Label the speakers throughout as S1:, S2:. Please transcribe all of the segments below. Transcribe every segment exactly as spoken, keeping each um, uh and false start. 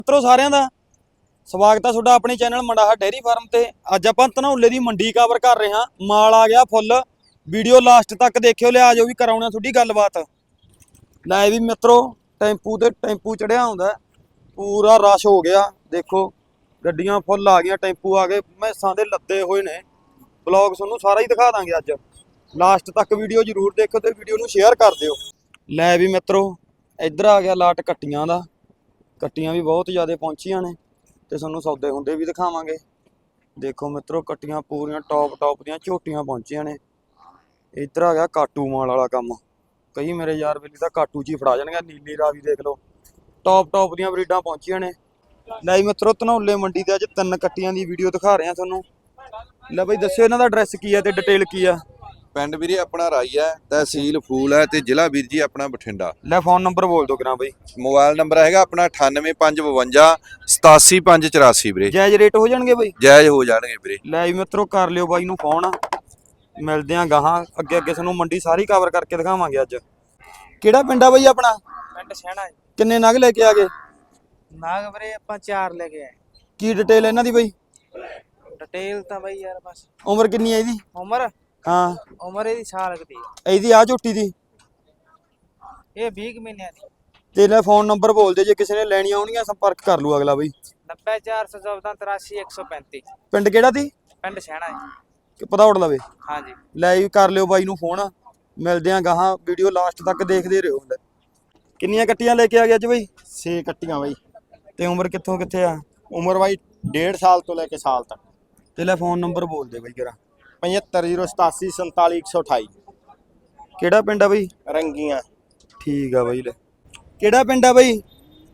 S1: ਮਿੱਤਰੋ ਸਾਰਿਆਂ ਦਾ ਸਵਾਗਤ ਹੈ ਤੁਹਾਡਾ ਆਪਣੇ ਚੈਨਲ ਮੰਡਾਹਾ ਡੇਅਰੀ ਫਾਰਮ ਤੇ। ਅੱਜ ਆਪਾਂ ਧਨੌਲੇ ਦੀ ਮੰਡੀ ਕਵਰ ਕਰ ਰਹੇ ਹਾਂ। ਮਾਲ ਆ ਗਿਆ ਫੁੱਲ, ਵੀਡੀਓ ਲਾਸਟ ਤੱਕ ਦੇਖਿਓ। ਲਿਆ ਜੋ ਵੀ ਕਰਾਉਣਾ ਤੁਹਾਡੀ ਗੱਲਬਾਤ। ਲੈ ਵੀ ਮਿੱਤਰੋ ਟੈਂਪੂ ਤੇ ਟੈਂਪੂ ਚੜਿਆ ਹੁੰਦਾ, ਪੂਰਾ ਰਸ਼ ਹੋ ਗਿਆ। ਦੇਖੋ ਗੱਡੀਆਂ ਫੁੱਲ ਆ ਗਈਆਂ, ਟੈਂਪੂ ਆ ਗਏ, ਮੈਸਾਂ ਦੇ ਲੱਦੇ ਹੋਏ ਨੇ। ਬਲੌਗ ਤੁਹਾਨੂੰ ਸਾਰਾ ਹੀ ਦਿਖਾ ਦਾਂਗੇ ਅੱਜ। ਲਾਸਟ ਤੱਕ ਵੀਡੀਓ ਜ਼ਰੂਰ ਦੇਖੋ ਤੇ ਵੀਡੀਓ ਨੂੰ ਸ਼ੇਅਰ ਕਰ ਦਿਓ। ਲੈ ਵੀ ਮਿੱਤਰੋ ਇੱਧਰ ਆ ਗਿਆ ਲਾਟ ਕੱਟੀਆਂ ਦਾ। ਕੱਟੀਆਂ ਵੀ ਬਹੁਤ ਜ਼ਿਆਦਾ ਪਹੁੰਚੀਆਂ ਨੇ ਤੇ ਤੁਹਾਨੂੰ ਸੌਦੇ ਹੁੰਦੇ ਵੀ ਦਿਖਾਵਾਂਗੇ। ਦੇਖੋ ਮਿੱਤਰੋ ਕੱਟੀਆਂ ਪੂਰੀਆਂ ਟੌਪ ਟੌਪ ਦੀਆਂ ਝੋਟੀਆਂ ਪਹੁੰਚੀਆਂ ਨੇ। ਇੱਧਰ ਆ ਗਿਆ ਕਾਟੂ ਮਾਲ ਵਾਲਾ ਕੰਮ। ਕਈ ਮੇਰੇ ਯਾਰ ਵੇਲੀ ਤਾਂ ਕਾਟੂ 'ਚ ਹੀ ਫੜਾ ਜਾਣਗੇ। ਨੀਲੀ ਰਾਵੀ ਦੇਖ ਲਓ, ਟੌਪ ਟੌਪ ਦੀਆਂ ਬਰੀਡਾਂ ਪਹੁੰਚੀਆਂ ਨੇ। ਲੈ ਮਿੱਤਰੋ ਧਨੌਲੇ ਮੰਡੀ ਤੇ ਅੱਜ ਤਿੰਨ ਕੱਟੀਆਂ ਦੀ ਵੀਡੀਓ ਦਿਖਾ ਰਹੇ ਹਾਂ ਤੁਹਾਨੂੰ। ਲੈ ਬਈ ਦੱਸਿਓ ਇਹਨਾਂ ਦਾ ਐਡਰੈਸ ਕੀ ਹੈ ਤੇ ਡਿਟੇਲ ਕੀ ਆ।
S2: ਪਿੰਡ ਵੀਰੇ ਆਪਣਾ ਰਾਈ ਹੈ, ਤਹਿਸੀਲ ਫੂਲ ਹੈ ਤੇ ਜ਼ਿਲ੍ਹਾ ਵੀਰ ਜੀ ਆਪਣਾ ਬਠਿੰਡਾ।
S1: ਲੈ ਫੋਨ ਨੰਬਰ ਬੋਲ ਦਿਓ ਕਿਰਾਂ ਬਈ।
S2: ਮੋਬਾਈਲ ਨੰਬਰ ਹੈਗਾ ਆਪਣਾ ਅਠਾਨਵੇਂ ਪੰਜ ਬਵੰਜਾ ਸਤਾਸੀ ਪੰਜ ਚੁਰਾਸੀ ਵੀਰੇ।
S1: ਜਾਇਜ਼ ਰੇਟ ਹੋ ਜਾਣਗੇ ਬਈ?
S2: ਜਾਇਜ਼ ਹੋ ਜਾਣਗੇ ਵੀਰੇ।
S1: ਲੈ ਵੀ ਮਿੱਤਰੋ ਕਰ ਲਿਓ ਬਾਈ ਨੂੰ ਫੋਨ। ਮਿਲਦੇ ਆਂ ਗਾਹਾਂ ਅੱਗੇ ਅੱਗੇ ਤੁਹਾਨੂੰ ਮੰਡੀ ਸਾਰੀ ਕਵਰ ਕਰਕੇ ਦਿਖਾਵਾਂਗੇ ਅੱਜ। ਕਿਹੜਾ ਪਿੰਡ ਆ ਬਈ ਆਪਣਾ?
S3: ਪਿੰਡ ਸਹਿਣਾ ਹੈ।
S1: ਕਿੰਨੇ ਨਗ ਲੈ ਕੇ ਆ ਗਏ?
S3: ਨਾਗ ਵੀਰੇ ਆਪਾਂ ਚਾਰ ਲੈ ਕੇ ਆਏ।
S1: ਕੀ ਡਿਟੇਲ ਇਹਨਾਂ ਦੀ ਬਈ?
S3: ਡਿਟੇਲ ਤਾਂ ਬਈ ਯਾਰ ਬਸ।
S1: ਉਮਰ ਕਿੰਨੀ ਹੈ ਇਹਦੀ?
S3: ਉਮਰ
S1: ਹਾਂ
S3: ਉਮਰ ਇਹਦੀ ਸਾਲ ਕੁ ਦੀ ਹੈ।
S1: ਇਹਦੀ ਆ ਝੋਟੀ ਦੀ?
S3: ਇਹ ਵੀਹ ਕੁ ਮਹੀਨਿਆਂ ਦੀ।
S1: ਤੇ ਲੈ ਫੋਨ ਨੰਬਰ ਬੋਲ ਦੇ, ਜੇ ਕਿਸੇ ਨੇ ਲੈਣੀ ਆਉਣੀਆਂ ਸੰਪਰਕ ਕਰ ਲੂ ਅਗਲਾ ਬਈ।
S3: ਨੱਬੇ ਚਾਰ ਸੌ ਚੌਦਾਂ ਤਰਾਸੀ ਇੱਕ ਸੌ ਪੈਂਤੀ।
S1: ਪਿੰਡ ਕਿਹੜਾ ਦੀ?
S3: ਪਿੰਡ ਸਹਿਣਾ ਹੈ।
S1: ਕਿ ਪਤਾ ਉੜ ਲਵੇ?
S3: ਹਾਂਜੀ
S1: ਲੈ ਵੀ ਕਰ ਲਿਓ ਬਾਈ ਨੂੰ ਫੋਨ। ਮਿਲਦੇ ਆਂ ਗਾਹਾਂ, ਵੀਡੀਓ ਲਾਸਟ ਤੱਕ ਦੇਖਦੇ ਰਹੋ। ਕਿੰਨੀਆਂ ਕੱਟੀਆਂ ਲੈ ਕੇ ਆ ਗਏ ਅੱਜ ਬਈ?
S4: ਛੇ ਕੱਟੀਆਂ ਬਾਈ।
S1: ਤੇ ਉਮਰ ਕਿੱਥੋਂ ਕਿੱਥੇ ਆ?
S4: ਉਮਰ ਬਾਈ ਡੇਢ ਸਾਲ ਤੋਂ ਲੈ ਕੇ ਸਾਲ ਤੱਕ।
S1: ਤੇ ਲੈ ਫੋਨ ਨੰਬਰ ਬੋਲ ਦੇ ਬਈ ਜਰਾ।
S4: ਪਝੱਤਰ ਜ਼ੀਰੋ ਸਤਾਸੀ ਸੰਤਾਲੀ ਇੱਕ ਸੌ ਅਠਾਈ।
S1: ਕਿਹੜਾ ਪਿੰਡ ਆ ਬਈ?
S4: ਰੰਗੀਆਂ।
S1: ਠੀਕ ਆ ਬਈ। ਲੈ ਕਿਹੜਾ ਪਿੰਡ ਆ ਬਈ?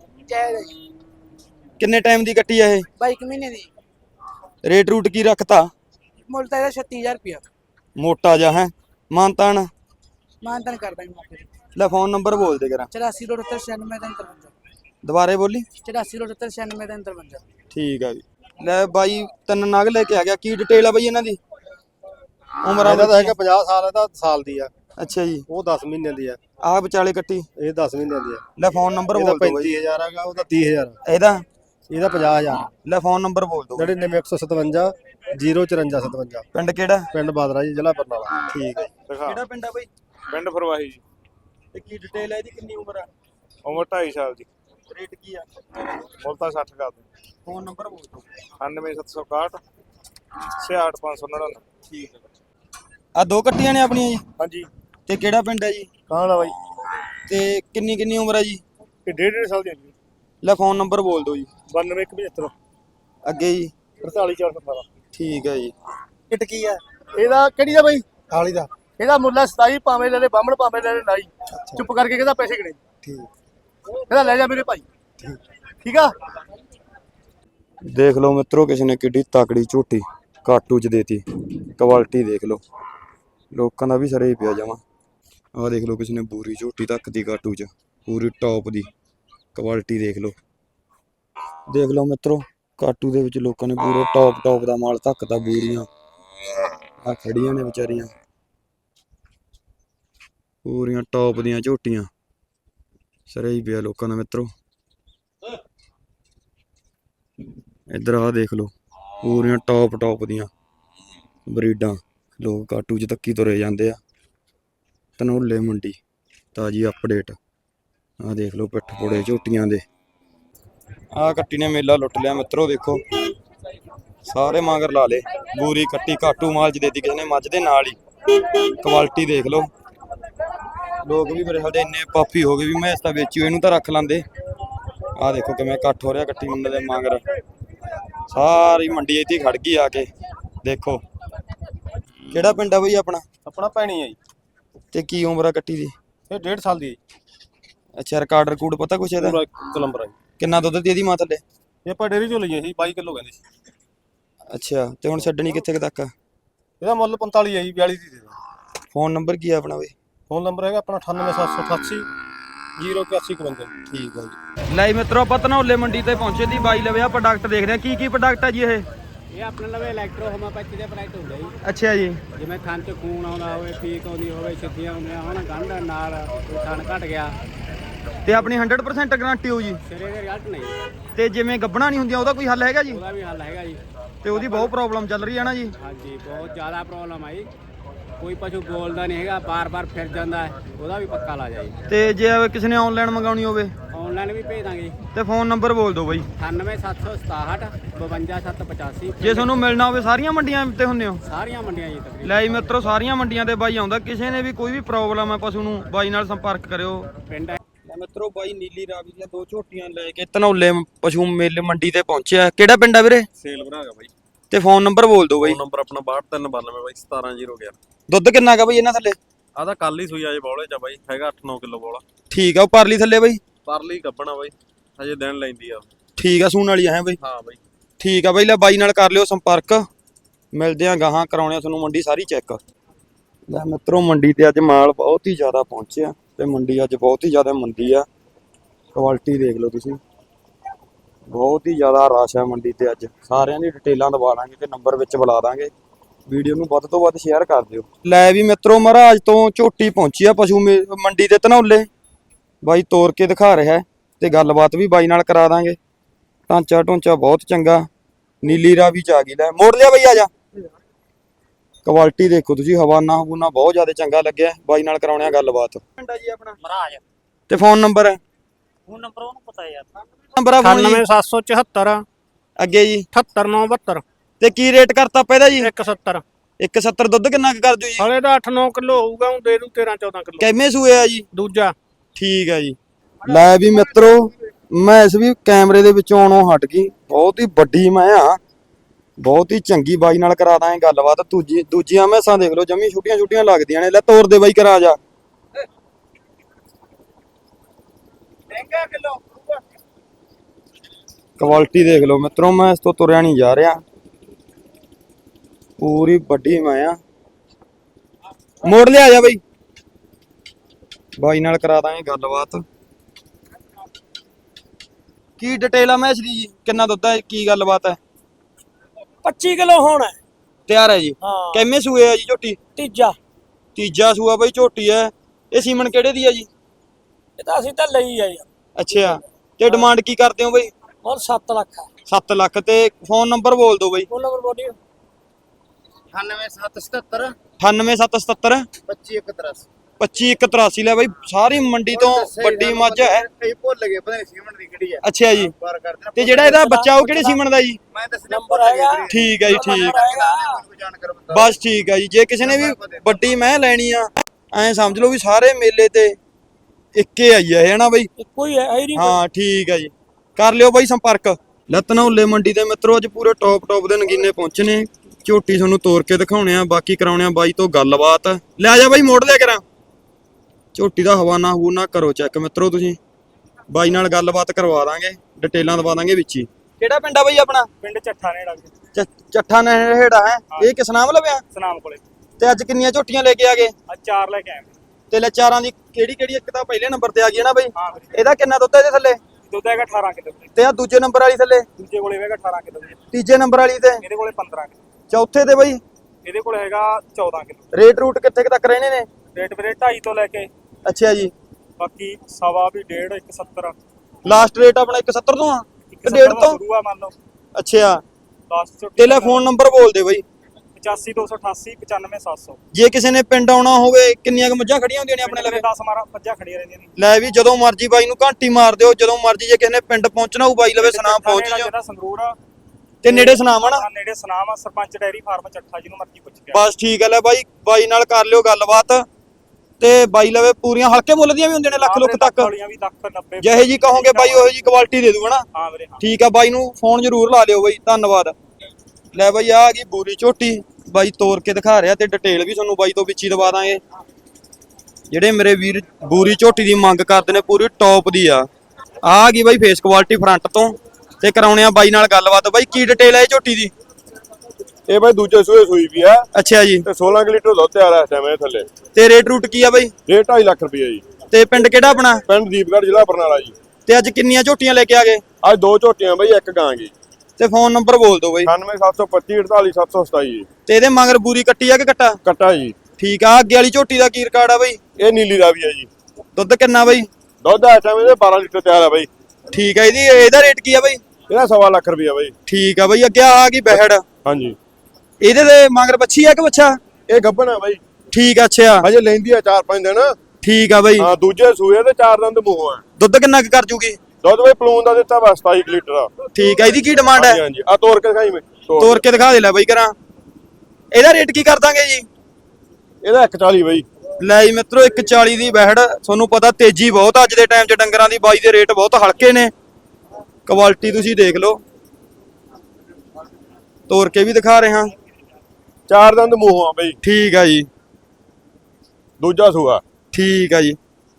S1: ਕਿੰਨੇ ਟਾਈਮ ਦੀ ਕੱਟੀ ਆ ਇਹ?
S3: ਬਾਈ ਇੱਕ ਮਹੀਨੇ ਦੀ।
S1: ਰੇਟ ਰੂਟ ਕੀ ਰੱਖਤਾ?
S3: ਮੁੱਲ ਤਾਂ ਇਹਦਾ ਛੱਤੀ ਹਜ਼ਾਰ ਰੁਪਇਆ।
S1: ਮੋਟਾ ਜਾ ਹੈ ਮਾਨਤਾਨ?
S3: ਮਾਨਤਨ ਕਰ ਦਾਂਗੇ ਮੌਕੇ ਤੇ।
S1: ਲੈ ਫੋਨ ਨੰਬਰ ਬੋਲ ਦੇ ਕਰਾਂ।
S3: ਚੁਰਾਸੀ ਦੋ ਅਠੱਤਰ ਛਿਆਨਵੇਂ ਤਿੰਨ ਤਰਵੰਜਾ।
S1: ਦੁਬਾਰੇ ਬੋਲੀ।
S3: ਚੁਰਾਸੀ ਦੋ ਅਠੱਤਰ ਛਿਆਨਵੇਂ ਤਿੰਨ ਤਰਵੰਜਾ।
S1: ਠੀਕ ਆ ਜੀ। ਲੈ ਬਾਈ ਤਿੰਨ ਨਗ ਲੈ ਕੇ ਆ ਗਿਆ। ਕੀ ਡਿਟੇਲ ਆ ਬਈ ਇਹਨਾਂ ਦੀ? ਉਮਰ ਆ
S4: ਇਹਦਾ ਤਾਂ ਹੈਗਾ ਪੰਜਾਹ ਸਾਲ, ਇਹਦਾ ਸਾਲ ਦੀ ਆ।
S1: ਅੱਛਾ ਜੀ।
S4: ਉਹ ਦਸ ਮਹੀਨਿਆਂ ਦੀ ਆ।
S1: ਆਹ ਵਿਚਾਲੇ ਕੱਟੀ
S4: ਇਹ ਦਸ ਮਹੀਨਿਆਂ ਦੀ ਆ।
S1: ਲੈ ਫੋਨ ਨੰਬਰ
S4: ਇਹਦਾ
S1: ਬੋਲ ਦੋ ਬਈ।
S4: ਪੈਂਤੀ ਹਜ਼ਾਰ ਹੈਗਾ, ਉਹਦਾ ਤੀਹ ਹਜ਼ਾਰ।
S1: ਇਹਦਾ?
S4: ਇਹਦਾ ਪੰਜਾਹ ਹਜ਼ਾਰ।
S1: ਲੈ ਫੋਨ ਨੰਬਰ ਬੋਲ ਦੋ।
S4: ਨੜਿਨਵੇਂ ਇੱਕ ਸੌ ਸਤਵੰਜਾ ਜ਼ੀਰੋ ਚੁਰੰਜਾ ਸਤਵੰਜਾ।
S1: ਪਿੰਡ ਕਿਹੜਾ?
S4: ਪਿੰਡ ਬਾਦਰਾ ਜੀ, ਜ਼ਿਲ੍ਹਾ ਬਰਨਾਲਾ।
S1: ਠੀਕ ਹੈ। ਕਿਹੜਾ ਪਿੰਡ ਆ ਬਈ?
S5: ਪਿੰਡ ਫਰਵਾਹੀ ਜੀ।
S1: ਤੇ ਕੀ ਡਿਟੇਲ ਹੈ ਇਹਦੀ? ਕਿੰਨੀ ਉਮਰ ਆ?
S5: ਉਮਰ ਢਾਈ ਸਾਲ ਦੀ।
S1: ਰੇਟ ਕੀ ਆ?
S5: ਮੁੱਲ ਤਾਂ ਸੱਠ ਕਰ ਦੇ।
S1: ਫੋਨ ਨੰਬਰ ਬੋਲ ਦੋ।
S5: ਅਠਾਨਵੇਂ ਸੱਤ ਸੌ ਇਕਾਹਠ ਛਿਆਹਠ ਪੰਜ ਸੌ ਨੜਿਨਵੇਂ।
S1: ਠੀਕ ਹੈ। ਆ ਦੋ ਕੱਟੀਆਂ ਨੇ ਆਪਣੀਆਂ ਜੀ?
S4: ਹਾਂਜੀ।
S1: ਤੇ ਕਿਹੜਾ ਪਿੰਡ ਹੈ ਜੀ?
S4: ਕਹਾਂ ਦਾ ਬਾਈ?
S1: ਤੇ ਕਿੰਨੀ ਕਿੰਨੀ ਉਮਰ ਆ ਜੀ?
S4: ਇਹ ਡੇਢ ਡੇਢ ਸਾਲ ਦੀ ਆ ਜੀ।
S1: ਲੈ ਫੋਨ ਨੰਬਰ ਬੋਲ ਦਿਓ ਜੀ।
S4: ਬਾਨਵੇਂ ਇੱਕ ਪਝੱਤਰ
S1: ਅੱਗੇ ਜੀ?
S4: ਅੜਤਾਲੀ ਚਾਰ ਸੌ ਅਠਾਰਾਂ।
S1: ਠੀਕ ਹੈ ਜੀ।
S4: ਕਿਟ ਕੀ ਆ ਇਹਦਾ? ਕਿਹੜੀ ਦਾ ਬਾਈ? ਥਾਲੀ ਦਾ। ਇਹਦਾ ਮੁੱਲ ਹੈ ਸਤਾਈ, ਭਾਵੇਂ ਲੈ ਲੈ ਬਾਹਮਣ, ਭਾਵੇਂ ਲੈ ਲੈ ਨਾਈ। ਚੁੱਪ ਕਰਕੇ ਕਹਿੰਦਾ ਪੈਸੇ ਕਿਹੜੇ। ਠੀਕ। ਕਹਿੰਦਾ ਲੈ ਜਾ ਮੇਰੇ ਭਾਈ। ਠੀਕ ਠੀਕ ਆ।
S1: ਦੇਖ ਲਓ ਮਿੱਤਰੋ ਕਿਸੇ ਨੇ ਕਿੱਡੀ ਤਕੜੀ ਝੋਟੀ ਕਾਟੂ 'ਚ ਦੇਤੀ। ਕੁਆਲਿਟੀ ਦੇਖ ਲਓ, ਲੋਕਾਂ ਦਾ ਵੀ ਸਰੇ ਹੀ ਪਿਆ ਜਾਵਾਂ। ਆਹ ਦੇਖ ਲਓ ਕਿਸੇ ਨੇ ਬੂਰੀ ਝੋਟੀ ਧੱਕਦੀ ਕਾਟੂ 'ਚ, ਪੂਰੀ ਟੌਪ ਦੀ ਕੁਆਲਿਟੀ ਦੇਖ ਲਓ। ਦੇਖ ਲਓ ਮਿੱਤਰੋ ਕਾਟੂ ਦੇ ਵਿੱਚ ਲੋਕਾਂ ਨੇ ਪੂਰੇ ਟੌਪ ਟੌਪ ਦਾ ਮਾਲ ਧੱਕਦਾ। ਬੂਰੀਆਂ ਆ ਖੜੀਆਂ ਨੇ ਵਿਚਾਰੀਆਂ, ਪੂਰੀਆਂ ਟੌਪ ਦੀਆਂ ਝੋਟੀਆਂ। ਸਰੇ ਹੀ ਪਿਆ ਲੋਕਾਂ ਦਾ ਮਿੱਤਰੋ। ਇੱਧਰ ਆਹ ਦੇਖ ਲਓ ਪੂਰੀਆਂ ਟੌਪ ਟੌਪ ਦੀਆਂ ਬਰੀਡਾਂ। ਲੋਕ ਕਾਟੂ 'ਚ ਧੱਕੀ ਤੁਰੇ ਜਾਂਦੇ ਆ। ਧਨੌਲੇ ਮੰਡੀ ਤਾਜ਼ੀ ਅਪਡੇਟ। ਆਹ ਦੇਖ ਲਓ ਪਿੱਠ ਪੋੜੇ ਝੋਟੀਆਂ ਦੇ। ਆਹ ਕੱਟੀ ਨੇ ਮੇਲਾ ਲੁੱਟ ਲਿਆ ਮਿੱਤਰੋ। ਦੇਖੋ ਸਾਰੇ ਮਾਂਗਰ ਲਾ ਲੇ। ਬੂਰੀ ਕੱਟੀ ਕਾਟੂ ਮਾਲ 'ਚ ਦੇਤੀ ਕਿਸੇ ਨੇ ਮੱਝ ਦੇ ਨਾਲ ਹੀ। ਕੁਆਲਿਟੀ ਦੇਖ ਲਓ। ਲੋਕ ਵੀ ਮੇਰੇ ਹਾਲੇ ਇੰਨੇ ਪਾਪੀ ਹੋ ਗਏ ਵੀ ਮੈਂ ਇਸ ਤਾਂ ਵੇਚੀ, ਇਹਨੂੰ ਤਾਂ ਰੱਖ ਲੈਂਦੇ। ਆਹ ਦੇਖੋ ਕਿਵੇਂ ਇਕੱਠ ਹੋ ਰਿਹਾ ਕੱਟੀ ਮੁੰਡੇ ਦੇ ਮਾਂਗਰ। ਸਾਰੀ ਮੰਡੀ ਇੱਥੇ ਖੜ ਗਈ ਆ ਕੇ। ਦੇਖੋ ਕਿਹੜਾ ਪਿੰਡ ਆ ਬਈ ਆਪਣਾ?
S4: ਆਪਣਾ ਭੈਣੀ ਆ ਜੀ।
S1: ਤੇ ਕੀ ਉਮਰ ਆ ਕੱਟੀ ਦੀ?
S4: ਇਹ ਡੇਢ ਸਾਲ ਦੀ ਹੈ।
S1: ਅੱਛਾ ਰਿਕਾਰਡ ਰਿਕੂਡ ਪਤਾ ਕੁਛ ਇਹਦਾ?
S4: ਪੂਰਾ ਇੱਕ ਨੰਬਰ ਆ ਜੀ।
S1: ਕਿੰਨਾ ਦੁੱਧ ਦੀ ਇਹਦੀ ਮਾਂ ਥੱਲੇ?
S4: ਇਹ ਆਪਾਂ ਡੇਅਰੀ ਚੋਂ ਲਈਏ ਸੀ, ਬਾਈ ਕਿਲੋ ਕਹਿੰਦੇ ਸੀ।
S1: ਅੱਛਾ ਤੇ ਹੁਣ ਛੱਡਣੀ ਕਿੱਥੇ ਕੁ ਤੱਕ ਆ?
S4: ਇਹਦਾ ਮੁੱਲ ਪੰਤਾਲੀ ਹੈ ਜੀ, ਬਿਆਲੀ ਦੀ ਦੇ ਦਿਓ।
S1: ਫੋਨ ਨੰਬਰ ਕੀ ਆ ਆਪਣਾ ਬਈ?
S4: ਫੋਨ ਨੰਬਰ ਹੈਗਾ ਆਪਣਾ ਅਠਾਨਵੇਂ ਸੱਤ ਸੌ ਅਠਾਸੀ ਜ਼ੀਰੋ ਇਕਾਸੀ ਇਕਵੰਜਾ।
S1: ਠੀਕ ਆ ਜੀ। ਲੈ ਮਿੱਤਰੋ ਆਪਾਂ ਧਨੌਲੇ ਮੰਡੀ ਤੇ ਪਹੁੰਚੇ ਦੀ। ਬਾਈ ਲਵੇ ਆ ਪ੍ਰੋਡਕਟ ਦੇਖਦੇ ਆ ਕੀ ਕੀ ਪ੍ਰੋਡਕਟ ਆ ਜੀ ਇਹ।
S3: ਇਹ ਆਪਣੇ ਲਵੇ ਇਲੈਕਟ੍ਰੋ ਹੋਮੋਪੈਥੀ ਦੇ ਪ੍ਰੋਡਕਟ ਹੁੰਦੇ ਜੀ।
S1: ਅੱਛਾ ਜੀ।
S3: ਜਿਵੇਂ ਥਣ 'ਚ ਖੂਨ ਆਉਂਦਾ ਹੋਵੇ, ਪੀਕ ਆਉਂਦੀ ਹੋਵੇ, ਛਿੱਤੀਆਂ ਹੁੰਦੀਆਂ ਹੋਣ, ਗੰਢ ਨਾਲ ਥਣ ਘਟ ਗਿਆ,
S1: ਤੇ ਆਪਣੀ ਹੰਡਰਡ ਪਰਸੈਂਟ ਗਾਰੰਟੀ ਹੋ ਜੀ।
S3: ਸਿਰੇ ਦੇ ਰਿਜ਼ਲਟ ਨਹੀਂ,
S1: ਤੇ ਜਿਵੇਂ ਗੱਬਣਾ ਨਹੀਂ ਹੁੰਦੀਆਂ ਉਹਦਾ ਕੋਈ ਹੱਲ ਹੈਗਾ ਜੀ?
S3: ਉਹਦਾ ਵੀ ਹੱਲ ਹੈਗਾ ਜੀ।
S1: ਤੇ ਉਹਦੀ ਬਹੁਤ ਪ੍ਰੋਬਲਮ ਚੱਲ ਰਹੀ ਹੈ ਨਾ ਜੀ?
S3: ਹਾਂਜੀ ਬਹੁਤ ਜ਼ਿਆਦਾ ਪ੍ਰੋਬਲਮ ਆਈ, ਕੋਈ ਪਸ਼ੂ ਬੋਲਦਾ ਨਹੀਂ ਹੈਗਾ, ਬਾਰ-ਬਾਰ ਫਿਰ ਜਾਂਦਾ ਹੈ, ਉਹਦਾ ਵੀ ਪੱਕਾ ਲਾ ਜਾਈ।
S1: ਤੇ ਜੇ ਕਿਸੇ ਨੇ ਆਨਲਾਈਨ ਮੰਗਾਉਣੀ ਹੋਵੇ?
S3: ਆਨਲਾਈਨ ਵੀ ਭੇਜ ਦਾਂਗੇ।
S1: ਤੇ ਫੋਨ ਨੰਬਰ ਬੋਲ ਦਿਓ ਬਾਈ।
S3: ਅਠਾਨਵੇਂ ਸੱਤ ਸੌ ਸਤਾਹਠ ਬਵੰਜਾ ਸੱਤ ਪਚਾਸੀ।
S1: ਜੇ ਤੁਹਾਨੂੰ ਮਿਲਣਾ ਹੋਵੇ ਸਾਰੀਆਂ ਮੰਡੀਆਂ ਤੇ ਹੁੰਦੇ ਹੋ?
S3: ਸਾਰੀਆਂ ਮੰਡੀਆਂ ਜੀ ਤਕਰੀਬਨ।
S1: ਲੈ ਜੀ ਮਿੱਤਰੋ, ਸਾਰੀਆਂ ਮੰਡੀਆਂ ਤੇ ਬਾਈ ਆਉਂਦਾ। ਕਿਸੇ ਨੇ ਵੀ ਕੋਈ ਵੀ ਪ੍ਰੋਬਲਮ ਹੈ ਪਸ਼ੂ ਨੂੰ, ਬਾਈ ਨਾਲ ਸੰਪਰਕ ਕਰਿਓ।
S3: ਪਿੰਡ
S1: ਮਿੱਤਰੋ ਬਾਈ ਨੀਲੀ ਰਾਵੀ ਦੀਆਂ ਦੋ ਝੋਟੀਆਂ ਲੈ ਕੇ ਧਨੌਲੇ ਪਸ਼ੂ ਮੇਲੇ ਮੰਡੀ ਤੇ ਪਹੁੰਚਿਆ। ਕਿਹੜਾ ਪਿੰਡ ਆ ਵੀਰੇ?
S5: ਸੇਲ ਬਣਾਗਾ ਬਾਈ।
S1: ਤੇ ਫੋਨ ਨੰਬਰ ਬੋਲ ਦਿਓ ਬਾਈ।
S5: ਫੋਨ ਨੰਬਰ ਆਪਣਾ ਬਾਹਠ ਤਿੰਨ ਬਾਨਵੇਂ ਬਾਈ ਸਤਾਰਾਂ ਜ਼ੀਰੋ ਗਿਆਰਾਂ।
S1: ਦੁੱਧ ਕਿੰਨਾ ਕਾ ਬਾਈ ਇਹਨਾਂ ਥੱਲੇ?
S5: ਆ ਤਾਂ ਕੱਲ ਹੀ ਸੂਈ ਆ ਜੇ ਬੌਲੇ ਚ ਬਾਈ, ਹੈਗਾ ਅੱਠ ਨੌ ਕਿਲੋ ਬੌਲਾ।
S1: ਠੀਕ ਆ। ਉਹ ਪਰਲੀ ਥੱਲੇ ਬਾਈ?
S5: ਪਰਲੀ ਕੱਪਣਾ ਬਾਈ, ਹਜੇ ਦਿਨ ਲੈਂਦੀ ਆ।
S1: ਠੀਕ ਆ। ਸੂਣ ਵਾਲੀ ਆ ਹੈ ਬਾਈ?
S5: ਹਾਂ ਬਾਈ।
S1: ਠੀਕ ਆ ਬਾਈ, ਲੈ ਬਾਈ ਨਾਲ ਕਰ ਲਿਓ ਸੰਪਰਕ। ਮਿਲਦੇ ਆ ਗਾਹਾਂ, ਕਰਾਉਣੇ ਆ ਤੁਹਾਨੂੰ ਮੰਡੀ ਸਾਰੀ ਚੈੱਕ। ਲੈ ਮਿੱਤਰੋ, ਮੰਡੀ ਤੇ ਅੱਜ ਮਾਲ ਬਹੁਤ ਹੀ ਜ਼ਿਆਦਾ ਪਹੁੰਚਿਆ ਤੇ ਮੰਡੀ ਅੱਜ ਬਹੁਤ ਹੀ ਜ਼ਿਆਦਾ ਮੰਦੀ ਆ। ਕੁਆਲਿਟੀ ਦੇਖ ਲਓ ਤੁਸੀਂ, ਬਹੁਤ ਹੀ ਜ਼ਿਆਦਾ ਰਸ਼ ਹੈ ਮੰਡੀ ਤੇ ਅੱਜ। ਸਾਰਿਆਂ ਦੀ ਡਿਟੇਲਾਂ ਦਵਾ ਦਾਂਗੇ ਤੇ ਨੰਬਰ ਵਿੱਚ ਬੁਲਾ ਦਾਂਗੇ। ਵੀਡੀਓ ਨੂੰ ਵੱਧ ਤੋਂ ਵੱਧ ਸ਼ੇਅਰ ਕਰ ਦਿਓ। ਲੈ ਵੀ ਮਿੱਤਰੋ, ਮਹਾਰਾਜ ਤੋਂ ਝੋਟੀ ਪਹੁੰਚੀ ਆ ਪਸ਼ੂ ਮੰਡੀ ਤੇ ਧਨੌਲੇ। ਬਾਈ ਤੋਰ ਕੇ ਦਿਖਾ ਰਿਹਾ ਤੇ ਗੱਲਬਾਤ ਵੀ ਬਾਈ ਨਾਲ ਕਰਾ ਦਾਂਗੇ। ਢਾਂਚਾ ਢੂੰਚਾ ਬਹੁਤ ਚੰਗਾ, ਨੀਲੀ ਰਾਵੀ ਚ ਆ ਗਈ। ਲੈ ਮੋੜ ਲਿਆ ਬਾਈ, ਆ ਜਾ। ਕੁਆਲਿਟੀ ਦੇਖੋ ਤੁਸੀਂ, ਹਵਾਨਾ ਹਵੂਨਾ ਬਹੁਤ ਜ਼ਿਆਦਾ ਚੰਗਾ ਲੱਗਿਆ। ਬਾਈ ਨਾਲ ਕਰਾਉਣੇ ਆ ਗੱਲਬਾਤ। ਪਿੰਡਾ ਜੀ ਆਪਣਾ
S3: ਮਹਾਰਾਜ।
S1: ਤੇ ਫੋਨ ਨੰਬਰ?
S3: ਫੋਨ ਨੰਬਰ ਉਹਨੂੰ ਪਤਾ ਯਾਰ।
S1: ਨੰਬਰ ਆ ਫੋਨ
S3: ਅਠਾਨਵੇਂ ਸੱਤ ਸੌ ਚੁਹੱਤਰ
S1: ਅੱਗੇ ਜੀ
S3: ਅਠੱਤਰ ਨੌ ਬਹੱਤਰ।
S1: ਤੇ ਕੀ ਰੇਟ ਕਰਤਾ ਪੈਦਾ ਜੀ?
S3: ਇੱਕ ਸੱਤਰ।
S1: ਇੱਕ ਸੱਤਰ। ਦੁੱਧ ਕਿੰਨਾ ਕੁ ਕਰ ਜੂ ਜੀ?
S3: ਹਲੇ ਦਾ ਅੱਠ ਨੌ ਕਿਲੋ ਹੋਊਗਾ, ਉਹ ਦੇ ਦੂ ਤੇਰਾਂ ਚੌਦਾਂ ਕਿਲੋ।
S1: ਕਿੰਨੇ ਸੂਏ ਆ ਜੀ?
S3: ਦੂਜਾ।
S1: ਠੀਕ ਆ ਜੀ। ਲੈ ਵੀ ਮਿੱਤਰੋ, ਮੈਂ ਇਸ ਵੀ ਕੈਮਰੇ ਦੇ ਵਿੱਚੋਂ ਆਉਣੋਂ ਹਟ ਗਈ। ਬਹੁਤ ਹੀ ਵੱਡੀ ਮੈਂ ਆ, ਬਹੁਤ ਹੀ ਚੰਗੀ। ਬਾਈ ਨਾਲ ਕਰਾ ਦਾਂਗੇ ਗੱਲਬਾਤ। ਦੂਜੀ ਦੂਜੀਆਂ ਮੈਸਾਂ ਦੇਖ ਲਓ, ਜਮੀ ਛੁੱਟੀਆਂ ਛੁੱਟੀਆਂ ਲੱਗਦੀਆਂ ਨੇ। ਲੈ ਤੋਰ ਦੇ ਬਾਈ, ਕਰਾ ਜਾ। ਕੁਆਲਿਟੀ ਦੇਖ ਲਓ ਮਿੱਤਰੋ, ਮੈਂ ਇਸ ਤੋਂ ਤੁਰਿਆ ਨਹੀਂ ਜਾ ਰਿਹਾ। ਪੂਰੀ ਵੱਡੀ ਮੈਂ ਆ। ਮੋੜ ਲਿਆ ਜਾ ਬਾਈ, ਬਾਈ ਨਾਲ ਕਰਾ ਦਾਂਗੇ ਗੱਲਬਾਤ। ਕੀ ਡਿਟੇਲ ਆ ਮੈਚ ਦੀ ਜੀ? ਕਿੰਨਾ ਦੁੱਧ ਹੈ? ਕੀ ਗੱਲਬਾਤ ਹੈ?
S3: ਪੱਚੀ ਕਿਲੋ ਹੋਣਾ
S1: ਤਿਆਰ ਹੈ ਜੀ।
S3: ਹਾਂ।
S1: ਕਿੰਨੇ ਸੂਏ ਆ ਜੀ ਝੋਟੀ?
S3: ਤੀਜਾ।
S1: ਤੀਜਾ ਸੂਆ ਬਾਈ ਝੋਟੀ ਹੈ। ਇਹ ਸੀਮਨ ਕਿਹੜੇ ਦੀ ਆ ਜੀ?
S3: ਇਹ ਤਾਂ ਅਸੀਂ ਤਾਂ ਲਈ ਆ ਯਾਰ।
S1: ਅੱਛਾ। ਤੇ ਡਿਮਾਂਡ ਕੀ ਕਰਦੇ ਹੋ ਬਾਈ?
S3: ਹੋਰ ਸੱਤ ਲੱਖ।
S1: ਸੱਤ ਲੱਖ। ਤੇ ਫੋਨ ਨੰਬਰ ਬੋਲ ਦਿਓ ਬਾਈ।
S3: Phone number ਬੋਲਿਓ।
S4: ਅਠਾਨਵੇਂ ਸੱਤ ਸਤੱਤਰ
S1: ਅਠਾਨਵੇਂ ਸੱਤ ਸਤੱਤਰ
S4: ਪੱਚੀ ਇੱਕ ਤਰਾਸੀ।
S1: ਪੱਚੀ ਇੱਕ ਤਰਾਸੀ। ਲੈ ਬਾਈ, ਸਾਰੀ ਮੰਡੀ ਤੋਂ ਵੱਡੀ ਮੱਝ ਹੈ।
S4: ਇਹ ਭੁੱਲ ਗਏ, ਪਤਾ ਨਹੀਂ ਸੀਮਨ ਦੀ ਕਿਹੜੀ ਹੈ।
S1: ਅੱਛਾ ਜੀ।
S4: ਬਾਰ ਕਰ ਦੇਣਾ।
S1: ਤੇ ਜਿਹੜਾ ਇਹਦਾ ਬੱਚਾ ਉਹ ਕਿਹੜੇ ਸੀਮਨ ਦਾ ਜੀ?
S4: ਮੈਂ ਦੱਸ
S3: ਨੰਬਰ ਹੈਗਾ।
S1: ਠੀਕ ਹੈ ਜੀ, ਠੀਕ।
S4: ਜਾਣਕਾਰ ਬੰਦਾ।
S1: ਬਸ ਠੀਕ ਹੈ ਜੀ। ਜੇ ਕਿਸੇ ਨੇ ਵੀ ਵੱਡੀ ਮੈਂ ਲੈਣੀ ਆ, ਐਂ ਸਮਝ ਲਓ ਵੀ ਸਾਰੇ ਮੇਲੇ ਤੇ ਇੱਕੇ ਆਈ ਆ ਇਹ, ਹੈ ਨਾ ਬਾਈ?
S3: ਇੱਕੋ ਹੀ ਹੈ, ਹੈ ਨਹੀਂ।
S1: ਹਾਂ ਠੀਕ ਹੈ ਜੀ, ਕਰ ਲਿਓ ਬਾਈ ਸੰਪਰਕ। ਧਨੌਲੇ ਮੰਡੀ ਦੇ ਮਿੱਤਰੋ ਅੱਜ ਪੂਰੇ ਟੌਪ ਟੌਪ ਦੇ ਨਗੀਨੇ ਪਹੁੰਚੇ ਨੇ। ਝੋਟੀ ਤੁਹਾਨੂੰ ਤੋਰ ਕੇ ਦਿਖਾਉਣੇ ਆ, ਬਾਕੀ ਕਰਾਉਣੇ ਆ ਬਾਈ ਤੋਂ ਗੱਲਬਾਤ। ਲੈ ਜਾ ਬਾਈ, ਮੋੜ ਲਿਆ ਕਰਾਂ। ਝੋਟੀ ਦਾ ਹਵਾਨਾ ਹਵੂਨਾ ਕਰੋ ਚੈੱਕ ਮਿੱਤਰੋ ਤੁਸੀਂ। ਬਾਈ ਨਾਲ ਗੱਲਬਾਤ ਕਰਵਾ ਦਾਂਗੇ, ਡਿਟੇਲਾਂ ਦਵਾ ਦਾਂਗੇ ਵਿੱਚ ਹੀ। ਕਿਹੜਾ ਪਿੰਡ ਆ ਬਾਈ ਆਪਣਾ?
S5: ਪਿੰਡ ਚੱਠਾ ਨੇੜਾ
S1: ਚੱਠਾ ਨੇੜਾ ਹੈ। ਇਹ ਕਿਸ ਨਾਮ ਲਵਿਆ?
S5: ਸਨਾਮ ਕੋਲੇ।
S1: ਤੇ ਅੱਜ ਕਿੰਨੀਆਂ ਝੋਟੀਆਂ ਲੈ ਕੇ ਆ ਗਏ?
S5: ਅੱਜ ਚਾਰ ਲੈ ਕੇ ਆਏ।
S1: ਤੇ ਲੈ ਚਾਰਾਂ ਦੀ ਕਿਹੜੀ ਕਿਹੜੀ? ਇੱਕ ਤਾਂ ਪਹਿਲੇ ਨੰਬਰ ਤੇ ਆ ਗਈ ਹੈ ਨਾ ਬਾਈ?
S5: ਹਾਂ।
S1: ਇਹਦਾ ਕਿੰਨਾ ਦੁੱਧ ਇਹਦੇ ਥੱਲੇ?
S5: ਦੁੱਧ ਹੈਗਾ ਅਠਾਰਾਂ ਕਿਲੋ।
S1: ਤੇ ਆ ਦੂਜੇ ਨੰਬਰ ਵਾਲੀ ਥੱਲੇ?
S5: ਦੂਜੇ ਕੋਲੇ ਹੈਗਾ ਅਠਾਰਾਂ ਕਿਲੋ।
S1: ਤੀਜੇ ਨੰਬਰ ਵਾਲੀ ਤੇ?
S5: ਇਹਦੇ ਕੋਲੇ ਪੰਦਰਾਂ ਕਿਲੋ।
S1: ਚੌਥੇ ਤੇ ਬਾਈ?
S5: ਇਹਦੇ ਕੋਲ ਹੈਗਾ ਚੌਦਾਂ ਕਿਲੋ।
S1: ਰੇਟ ਰੂਟ ਕਿੱਥੇ ਕੁ ਤੱਕ ਰਹਿਣੇ ਨੇ?
S5: ਰੇਟ ਵੀਰੇ ਢਾਈ ਤੋਂ ਲੈ ਕੇ।
S1: ਅੱਛਾ ਜੀ।
S5: ਬਾਕੀ ਸਵਾ ਵੀ ਡੇਢ ਇੱਕ ਸੱਤਰ।
S1: ਲਾਸਟ ਰੇਟ ਆਪਣਾ ਇੱਕ ਸੱਤਰ ਤੋਂ ਆ?
S5: ਇੱਕ
S1: ਡੇਢ ਤੋਂ
S5: ਸ਼ੁਰੂ ਆ ਮੰਨ ਲਓ।
S1: ਅੱਛਾ।
S5: ਲਾਸਟ ਚ
S1: ਤੇ ਲੈ ਫੋਨ ਨੰਬਰ ਬੋਲ ਦੇ ਬਾਈ।
S5: ਪਚਾਸੀ ਦੋ ਸੌ ਅਠਾਸੀ ਪਚਾਨਵੇਂ ਸੱਤ ਸੌ।
S1: ਜੇ ਕਿਸੇ ਨੇ ਪਿੰਡ ਆਉਣਾ ਹੋਵੇ, ਕਿੰਨੀਆਂ ਕੁ ਮੱਝਾਂ ਖੜੀਆਂ ਹੁੰਦੀਆਂ ਨੇ ਆਪਣੇ ਲਵੇ?
S5: ਦਸ ਮਾਰਾ ਮੱਝਾਂ ਖੜੀਆਂ ਰਹਿੰਦੀਆਂ ਨੇ।
S1: ਲੈ ਵੀ ਜਦੋਂ ਮਰਜੀ ਬਾਈ ਨੂੰ ਘੰਟੀ ਮਾਰ ਦਿਓ, ਜਦੋਂ ਮਰਜੀ। ਜੇ ਕਿਸੇ ਨੇ ਪਿੰਡ ਪਹੁੰਚਣਾ ਹੋਊ ਬਾਈ ਲਵੇ ਸੁਨਾਮ ਪਹੁੰਚ ਜਾ।
S5: ਜਿਹੜਾ ਸੰਗਰੂਰ ਆ
S1: ਤੇ ਨੇੜੇ ਸੁਨਾਮ ਆ ਨਾ?
S5: ਹਾਂ ਨੇੜੇ ਸੁਨਾਮ ਆ। ਸਰਪੰਚ ਡੈਰੀ ਫਾਰਮ ਚੱਠਾ, ਜਿਹਨੂੰ ਮਰਜੀ ਪੁੱਛ ਕੇ।
S1: ਬਸ ਠੀਕ ਹੈ। ਲੈ ਬਾਈ, ਬਾਈ ਨਾਲ ਕਰ ਲਿਓ ਗੱਲਬਾਤ। ਤੇ ਬਾਈ ਲਵੇ ਪੂਰੀਆਂ ਹਲਕੇ ਮੁੱਲ ਦੀਆਂ ਵੀ ਹੁੰਦੀਆਂ ਨੇ, ਲੱਖ ਲੁੱਖ ਤੱਕ?
S5: ਵਾਲੀਆਂ ਵੀ ਲੱਖ ਨੱਬੇ।
S1: ਜਿਹੇ ਜੀ ਕਹੋਗੇ ਬਾਈ ਉਹੋ ਜੀ ਕੁਆਲਿਟੀ ਦੇ ਦੂਗਾ ਨਾ?
S5: ਹਾਂ ਵੀਰੇ ਹਾਂ।
S1: ਠੀਕ ਆ। ਬਾਈ ਨੂੰ ਫੋਨ ਜ਼ਰੂਰ ਲਾ ਲਿਓ ਬਾਈ, ਧੰਨਵਾਦ। ਲੈ ਬਾਈ, ਆ ਗਈ ਬੂਰੀ ਝੋਟੀ। ਬਾਈ ਤੋਰ ਕੇ ਦਿਖਾ ਰਿਹਾ ਤੇ ਡਿਟੇਲ ਵੀ ਤੁਹਾਨੂੰ ਬਾਈ ਤੋਂ ਵਿੱਚ ਹੀ ਦਵਾ ਦਾਂਗੇ। ਜਿਹੜੇ ਮੇਰੇ ਵੀਰ ਬੂਰੀ ਝੋਟੀ ਦੀ ਮੰਗ ਕਰਦੇ ਨੇ, ਪੂਰੀ ਟੌਪ ਦੀ ਆ। ਆ ਗਈ ਬਾਈ ਫੇਸ ਕੁਆਲਿਟੀ ਫਰੰਟ ਤੋਂ। ਤੇ ਕਰਾਉਣੇ ਆ ਬਾਈ ਨਾਲ ਗੱਲਬਾਤ। ਬਾਈ ਕੀ ਡਿਟੇਲ ਹੈ ਇਹ ਝੋਟੀ ਦੀ?
S6: ਇਹ ਬਾਈ ਦੂਜੇ ਸੂਏ ਸੂਈ ਵੀ ਆ
S1: ਅੱਛਾ ਜੀ।
S6: ਤੇ ਸੋਲਾਂ ਕੁ ਲੀਟਰ ਦੁੱਧ ਤਿਆਰ ਹੈ ਇਸ ਟਾਈਮ ਇਹ ਥੱਲੇ।
S1: ਤੇ ਰੇਟ ਰੂਟ ਕੀ ਆ ਬਾਈ?
S6: ਇਹ ਢਾਈ ਲੱਖ ਰੁਪਏ ਜੀ।
S1: ਤੇ ਪਿੰਡ ਕਿਹੜਾ ਆਪਣਾ?
S6: ਪਿੰਡ ਦੀਪਗੜ੍ਹ, ਜ਼ਿਲ੍ਹਾ ਬਰਨਾਲਾ ਜੀ।
S1: ਤੇ ਅੱਜ ਕਿੰਨੀਆਂ ਝੋਟੀਆਂ ਲੈ ਕੇ ਆ ਗਏ?
S6: ਅੱਜ ਦੋ ਝੋਟੀਆਂ ਬਾਈ, ਇੱਕ ਗਾਂ ਗੀ।
S1: ਤੇ ਫੋਨ ਨੰਬਰ ਬੋਲ ਦਿਓ ਬਾਈ।
S6: ਅਠਾਨਵੇਂ ਸੱਤ ਸੌ ਪੱਚੀ ਅੜਤਾਲੀ ਸੱਤ ਸੌ ਸਤਾਈ ਜੀ।
S1: ਤੇ ਇਹਦੇ ਮਗਰ ਬੂਰੀ ਕੱਟੀ ਆ ਕਿ ਕੱਟਾ?
S6: ਕੱਟਾ ਜੀ।
S1: ਠੀਕ ਆ। ਅੱਗੇ ਵਾਲੀ ਝੋਟੀ ਦਾ ਕੀ ਰਿਕਾਰਡ ਆ ਬਾਈ?
S6: ਇਹ ਨੀਲੀ ਰਾਵੀ ਆ ਜੀ।
S1: ਦੁੱਧ ਕਿੰਨਾ ਬਾਈ?
S6: ਦੁੱਧ ਇਸ ਟਾਈਮ ਇਹਦੇ ਬਾਰਾਂ ਲੀਟਰ ਤਿਆਰ ਆ ਬਾਈ।
S1: ਠੀਕ ਹੈ, ਇਹਦੀ ਇਹਦਾ ਰੇਟ ਕੀ ਆ ਬਾਈ?
S6: ਇਹਦਾ ਸਵਾ ਲੱਖ ਰੁਪਇਆ ਬਾਈ।
S1: ਠੀਕ ਆ ਬਾਈ। ਅੱਗੇ ਆ ਗਈ ਬਹਿੜ,
S6: ਹਾਂਜੀ
S1: ਇਹਦੇ ਦੇ ਮਗਰ ਬੱਚੀ ਆ ਕਿ ਬੱਚਾ?
S6: ਇਹ ਗੱਭਣ ਆ ਬਾਈ।
S1: ਠੀਕ ਆ, ਅੱਛਾ
S6: ਹਜੇ ਲੈਂਦੀ ਆ ਚਾਰ ਪੰਜ ਦਿਨ।
S1: ਠੀਕ ਆ ਬਾਈ।
S6: ਹਾਂ ਦੂਜੇ ਸੂਏ ਤੇ ਚਾਰ ਦੰਦ ਮੂੰਹ ਆ।
S1: ਦੁੱਧ ਕਿੰਨਾ ਕੁ ਕਰ ਜੂਗੀ?
S6: ਦੁੱਧ ਬਾਈ ਪਲੂਨ ਦਾ ਦਿੱਤਾ ਵਾ ਸਤਾਈ ਕੁ ਲੀਟਰ ਆ।
S1: ਠੀਕ ਆ, ਇਹਦੀ ਕੀ ਡਿਮਾਂਡ ਹੈ?
S6: ਹਾਂਜੀ ਹਾਂਜੀ ਆ ਤੋੜ ਕੇ ਦਿਖਾਈ ਮੈਂ
S1: ਤੋੜ ਕੇ ਦਿਖਾ ਦੇ ਲੈ ਬਾਈ ਕਰਾਂ। ਇਹਦਾ ਰੇਟ ਕੀ ਕਰ ਦਾਂਗੇ ਜੀ?
S6: ਇਹਦਾ ਇੱਕ ਚਾਲੀ ਬਾਈ।
S1: ਲੈ ਜੀ ਮਿੱਤਰੋ, ਇੱਕ ਚਾਲੀ ਦੀ ਬਹਿੜ। ਤੁਹਾਨੂੰ ਪਤਾ ਤੇਜ਼ੀ ਬਹੁਤ ਅੱਜ ਦੇ ਟਾਈਮ 'ਚ ਡੰਗਰਾਂ ਦੀ, ਬਾਈ ਦੇ ਰੇਟ ਬਹੁਤ ਹਲਕੇ ਨੇ। ਕੁਆਲਿਟੀ ਤੁਸੀਂ ਦੇਖ ਲਓ, ਤੋੜ ਕੇ ਵੀ ਦਿਖਾ ਰਹੇ ਹਾਂ।
S6: ਚਾਰ ਦੰਦ ਮੂੰਹ ਆ ਬਾਈ।
S1: ਠੀਕ ਆ ਜੀ,
S6: ਦੂਜਾ ਸੂਆ।
S1: ਠੀਕ ਆ ਜੀ।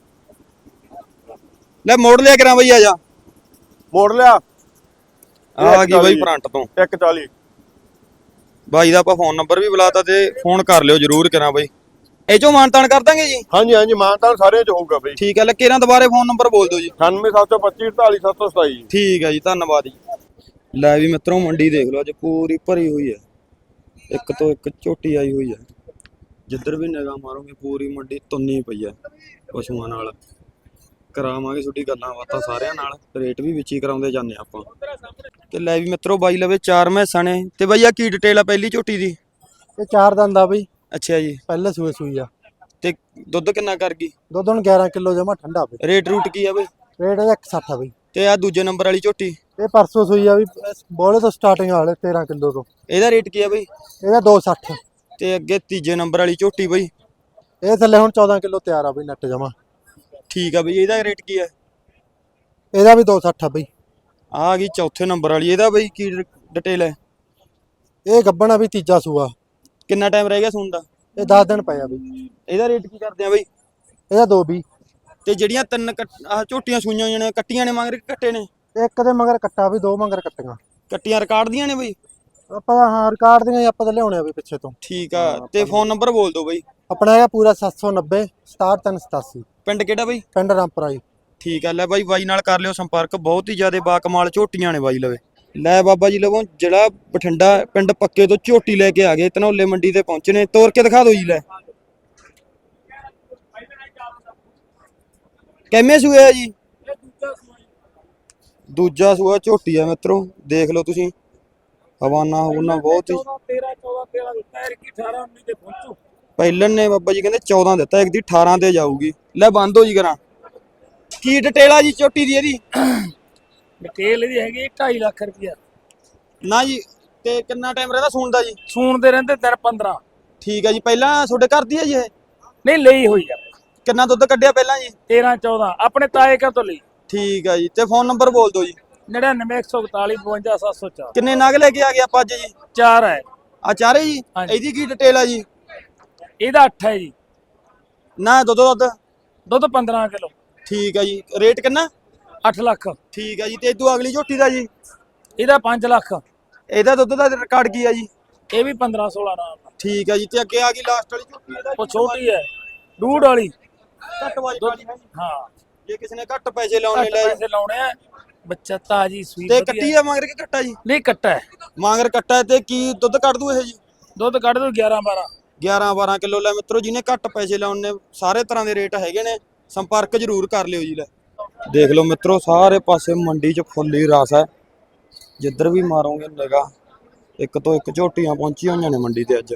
S1: ਲੈ ਮੋੜ ਲਿਆ ਕਰਾਂ ਬਾਈ, ਆ ਜਾ।
S6: ਮੋੜ ਲਿਆ
S1: ਆ ਗਈ ਬਾਈ ਫਰੰਟ ਤੋਂ
S6: ਇੱਕ ਚਾਲੀ।
S1: ਬਾਈ ਦਾ ਆਪਾਂ ਫੋਨ ਨੰਬਰ ਵੀ ਬੁਲਾਤਾ ਤੇ ਫੋਨ ਕਰ ਲਿਓ ਜਰੂਰ ਕਰਾਂ ਬਾਈ। ਇਹ ਚੋਂ ਮਾਨਤਾਨ ਕਰ ਦਾਂਗੇ ਜੀ।
S6: ਹਾਂਜੀ ਹਾਂਜੀ ਮਾਨਤਾਨ ਸਾਰਿਆਂ ਚ ਹੋਊਗਾ ਬਾਈ।
S1: ਠੀਕ ਆ, ਲੈ ਕੇਰਾਂ ਦੁਬਾਰੇ ਫੋਨ ਨੰਬਰ ਬੋਲ ਦਿਓ ਜੀ।
S6: ਅਠਾਨਵੇਂ ਸੱਤ ਸੌ ਪੱਚੀ ਅੜਤਾਲੀ ਸੱਤ ਸੌ ਸਤਾਈ।
S1: ਠੀਕ ਆ ਜੀ, ਧੰਨਵਾਦ ਜੀ। ਲੈ ਵੀ ਮਿੱਤਰੋ, ਮੰਡੀ ਦੇਖ ਲਓ ਅੱਜ ਪੂਰੀ ਭਰੀ ਹੋਈ ਹੈ। ਇੱਕ ਤੋਂ ਇੱਕ ਝੋਟੀ ਆਈ ਹੋਈ ਹੈ। ਜਿੱਧਰ ਵੀ ਨਿਗਾਹ ਮਾਰੋਗੇ ਪੂਰੀ ਮੰਡੀ ਤੁੰਨੀ ਪਈ ਹੈ ਪਸ਼ੂਆਂ ਨਾਲ। ਕਰਾਵਾਂਗੇ ਤੁਹਾਡੀ ਗੱਲਾਂ ਬਾਤਾਂ ਸਾਰਿਆਂ ਨਾਲ, ਰੇਟ ਵੀ ਵਿੱਚ ਹੀ ਕਰਾਉਂਦੇ ਜਾਂਦੇ ਆਪਾਂ। ਤੇ ਲੈ ਵੀ ਮਿੱਤਰੋ, ਬਾਈ ਲਵੇ ਚਾਰ ਮੈਸਾਂ ਨੇ। ਤੇ ਬਾਈ ਆ ਕੀ ਡਿਟੇਲ ਆ ਪਹਿਲੀ ਝੋਟੀ ਦੀ?
S4: ਇਹ ਚਾਰ ਦੰਦ ਆ ਬਈ,
S1: ਅੱਛਾ ਜੀ।
S4: ਪਹਿਲੇ ਸੂਏ ਸੂਈ ਆ।
S1: ਤੇ ਦੁੱਧ ਕਿੰਨਾ ਕਰ ਗਈ?
S4: ਦੁੱਧ ਹੁਣ ਗਿਆਰਾਂ ਕਿਲੋ ਜਮਾ ਠੰਡਾ ਬਈ।
S1: ਰੇਟ ਰੂਟ ਕੀ ਆ ਬਈ?
S4: ਰੇਟ ਇਹਦਾ ਇੱਕ ਸੌ ਸੱਠ ਆ ਬਈ।
S1: ਤੇ ਆ ਦੂਜੇ ਨੰਬਰ ਵਾਲੀ ਝੋਟੀ?
S4: ਇਹ ਪਰਸੋਂ ਸੂਈ ਆ ਵੀ, ਬੋਲੇ ਤੋਂ ਸਟਾਰਟਿੰਗ ਵਾਲੇ ਤੇਰਾਂ ਕਿਲੋ ਤੋਂ।
S1: ਇਹਦਾ ਰੇਟ ਕੀ ਆ ਬਈ?
S4: ਇਹਦਾ ਦੋ ਸੌ ਸੱਠ।
S1: ਤੇ ਅੱਗੇ ਤੀਜੇ ਨੰਬਰ ਵਾਲੀ ਝੋਟੀ ਬਈ?
S4: ਇਹ ਥੱਲੇ ਹੁਣ ਚੌਦਾਂ ਕਿਲੋ ਤਿਆਰ ਆ ਬਈ ਨੱਟ ਜਮਾ।
S1: ਠੀਕ ਆ ਬਈ। ਇਹਦਾ ਰੇਟ ਕੀ ਆ?
S4: ਇਹਦਾ ਵੀ ਦੋ ਸੌ ਸੱਠ ਆ ਬਈ।
S1: ਆ ਗਈ ਚੌਥੇ ਨੰਬਰ ਵਾਲੀ, ਇਹਦਾ ਬਈ ਕੀ ਡਿਟੇਲ ਹੈ?
S4: ਇਹ ਗੱਬਣ ਆ ਵੀ, ਤੀਜਾ ਸੂਆ।
S1: ਕਿੰਨਾ ਟਾਈਮ ਰਹਿ ਗਿਆ ਸੂਣ ਦਾ?
S4: ਇਹ ਦਸ ਦਿਨ ਪਏ ਆ ਬਈ।
S1: ਇਹਦਾ ਰੇਟ ਕੀ ਕਰਦੇ ਆ ਬਈ?
S4: ਇਹਦਾ ਦੋ ਵੀਹ।
S1: ਤੇ ਜਿਹੜੀਆਂ ਤਿੰਨ ਆਹ ਝੋਟੀਆਂ ਸੂਈਆਂ ਹੋਈਆਂ ਨੇ, ਕੱਟੀਆਂ ਨੇ ਮਗਰ ਕਿ ਕੱਟੇ ਨੇ?
S4: ਇੱਕ ਦੇ ਮਗਰ ਕੱਟਾ ਵੀ, ਦੋ ਮਗਰ ਕੱਟੀਆਂ।
S1: ਕੱਟੀਆਂ ਰਿਕਾਰਡ ਦੀਆਂ ਨੇ ਬਈ?
S4: ਆਪਾਂ ਹਾਂ ਰਿਕਾਰਡ ਦੀਆਂ ਹੀ ਆਪਾਂ ਤਾਂ ਲਿਆਉਣੇ ਆ ਬਈ ਪਿੱਛੇ ਤੋਂ।
S1: ਠੀਕ ਆ। ਤੇ ਫੋਨ ਨੰਬਰ ਬੋਲ ਦਿਓ ਬਈ।
S4: ਆਪਣਾ ਹੈਗਾ ਪੂਰਾ ਸੱਤ ਸੌ ਨੱਬੇ ਸਤਾਹਠ ਤਿੰਨ ਸਤਾਸੀ।
S1: ਪਿੰਡ ਕਿਹੜਾ ਬਈ?
S4: ਪਿੰਡ ਰਾਮਪੁਰਾ ਜੀ।
S1: ਠੀਕ ਆ। ਲੈ ਬਾਈ, ਬਾਈ ਨਾਲ ਕਰ ਲਿਓ ਸੰਪਰਕ। ਬਹੁਤ ਹੀ ਜ਼ਿਆਦਾ ਬਾਕਮਾਲ ਝੋਟੀਆਂ ਨੇ ਬਾਈ ਲਵੇ। ਲੈ ਬਾਬਾ ਜੀ ਲਵੋਂ ਜਿਹੜਾ ਬਠਿੰਡਾ ਪਿੰਡ ਪੱਕੇ ਤੋਂ ਝੋਟੀ ਲੈ ਕੇ ਆ ਗਏ, ਧਨੌਲੇ ਮੰਡੀ ਤੇ ਪਹੁੰਚੇ ਨੇ। ਤੋਰ ਕੇ ਦਿਖਾ ਦਿਓ ਜੀ। ਲੈ ਕਿੰਨੇ ਸੂਏ ਆ ਜੀ? ਦੂਜਾ ਸੂਆ ਝੋਟੀ ਆ ਮਿੱਤਰੋ, ਦੇਖ ਲਓ ਤੁਸੀਂ। ਹਵਾਨਾ ਹਵਾਨਾ ਬਹੁਤ ਹੀ। ਪਹਿਲਨ ਨੇ ਬਾਬਾ ਜੀ ਕਹਿੰਦੇ ਚੌਦਾਂ ਦਿੱਤਾ, ਇੱਕ ਦੀ ਅਠਾਰਾਂ ਤੇ ਜਾਊਗੀ। ਲੈ ਬੰਦ ਹੋ ਜੀ ਕਰਾਂ। ਕੀ ਡਿਟੇਲ ਆ ਜੀ ਝੋਟੀ ਦੀ? ਇਹਦੀ
S7: ਡਿਟੇਲ ਇਹਦੀ ਹੈਗੀ ਢਾਈ ਲੱਖ ਰੁਪਇਆ
S1: ਨਾ ਜੀ। ਤੇ ਕਿੰਨਾ ਟਾਈਮ ਰਹਿੰਦਾ ਸੂਣ ਦਾ ਜੀ?
S7: ਸੂਣ ਦੇ ਰਹਿੰਦੇ ਦਿਨ ਪੰਦਰਾਂ।
S1: ਠੀਕ ਆ ਜੀ। ਪਹਿਲਾਂ ਤੁਹਾਡੇ ਘਰ ਦੀ ਆ ਜੀ ਇਹ?
S7: ਨਹੀਂ ਲਈ ਹੋਈ ਆ।
S1: ਕਿੰਨਾ ਦੁੱਧ ਕੱਢਿਆ ਪਹਿਲਾਂ ਜੀ?
S7: ਤੇਰਾਂ ਚੌਦਾਂ ਆਪਣੇ ਤਾਏ ਘਰ ਤੋਂ ਲਈ।
S1: ਠੀਕ ਆ ਜੀ। ਤੇ ਫੋਨ ਨੰਬਰ ਬੋਲ ਦਿਓ ਜੀ।
S7: ਨੜਿਨਵੇਂ ਇੱਕ ਸੌ ਇਕਤਾਲੀ ਬਵੰਜਾ ਸੱਤ ਸੌ ਚਾਰ।
S1: ਕਿੰਨੇ ਨਗ ਲੈ ਕੇ ਆ ਗਏ ਆਪਾਂ ਅੱਜ ਜੀ?
S7: ਚਾਰ ਹੈ।
S1: ਆ ਚਾਰੇ ਜੀ?
S7: ਹਾਂਜੀ।
S1: ਇਹਦੀ ਕੀ ਡਿਟੇਲ ਆ ਜੀ?
S7: ਇਹਦਾ ਅੱਠ ਹੈ ਜੀ।
S1: ਨਾ ਦੁੱਧ ਦੁੱਧ?
S7: ਦੁੱਧ ਪੰਦਰਾਂ ਕਿਲੋ।
S1: ਠੀਕ ਆ ਜੀ। ਰੇਟ ਕਿੰਨਾ?
S7: ਅੱਠ ਲੱਖ।
S1: ਠੀਕ ਆ ਜੀ। ਤੇ ਇਦੋਂ ਅਗਲੀ ਝੋਟੀ ਦਾ ਜੀ?
S7: ਇਹਦਾ ਪੰਜ ਲੱਖ।
S1: ਇਹਦਾ ਦੁੱਧ ਦਾ ਰਿਕਾਰਡ ਕੀ ਆ ਜੀ?
S7: ਇਹ ਵੀ ਪੰਦਰਾਂ ਸੋਲਾਂ ਨਾਲ।
S1: ਠੀਕ ਆ ਜੀ। ਤੇ ਅੱਗੇ ਆ ਗਈ ਲਾਸਟ ਵਾਲੀ ਝੋਟੀ? ਇਹਦਾ
S7: ਉਹ ਛੋਟੀ ਹੈ, ਡੂਡ ਵਾਲੀ।
S1: ਘੱਟ ਵਾਲੀ ਵਾਲੀ ਹੈ ਜੀ।
S7: ਹਾਂ,
S1: ਜੇ ਕਿਸੇ ਨੇ ਘੱਟ ਪੈਸੇ ਲਾਉਣੇ
S7: ਘੱਟ
S1: ਲੈ।
S7: ਪੈਸੇ ਲਾਉਣੇ ਆ। ਬੱਚਾ ਤਾਜੀ ਸੂਈ
S1: ਤੇ
S7: ਵਧੀਆ।
S1: ਕੱਟੀ ਆ ਮਗਰ ਕਿ ਕੱਟਾ ਜੀ?
S7: ਨਹੀਂ ਕੱਟਾ ਹੈ।
S1: ਮਗਰ ਕੱਟਾ। ਤੇ ਕੀ ਦੁੱਧ ਕੱਢ ਦੂ ਇਹ ਜੀ?
S7: ਦੁੱਧ ਕੱਢ ਦੂ ਗਿਆਰਾਂ ਬਾਰਾਂ।
S1: ਗਿਆਰਾਂ ਬਾਰਾਂ ਕਿਲੋ। ਲੈ ਮਿੱਤਰੋ, ਜਿਹਨੇ ਘੱਟ ਪੈਸੇ ਲਾਉਣੇ, ਸਾਰੇ ਤਰ੍ਹਾਂ ਦੇ ਰੇਟ ਹੈਗੇ ਨੇ, ਸੰਪਰਕ ਜ਼ਰੂਰ ਕਰ ਲਿਓ ਜੀ। ਲੈ ਦੇਖ ਲਓ ਮਿੱਤਰੋ, ਸਾਰੇ ਪਾਸੇ ਮੰਡੀ 'ਚ ਫੁੱਲ ਹੀ ਰਸ ਹੈ। ਜਿੱਧਰ ਵੀ ਮਾਰੋਗੇ ਨਿਗਾਹ, ਇੱਕ ਤੋਂ ਇੱਕ ਝੋਟੀਆਂ ਪਹੁੰਚੀਆਂ ਹੋਈਆਂ ਨੇ ਮੰਡੀ ਤੇ ਅੱਜ।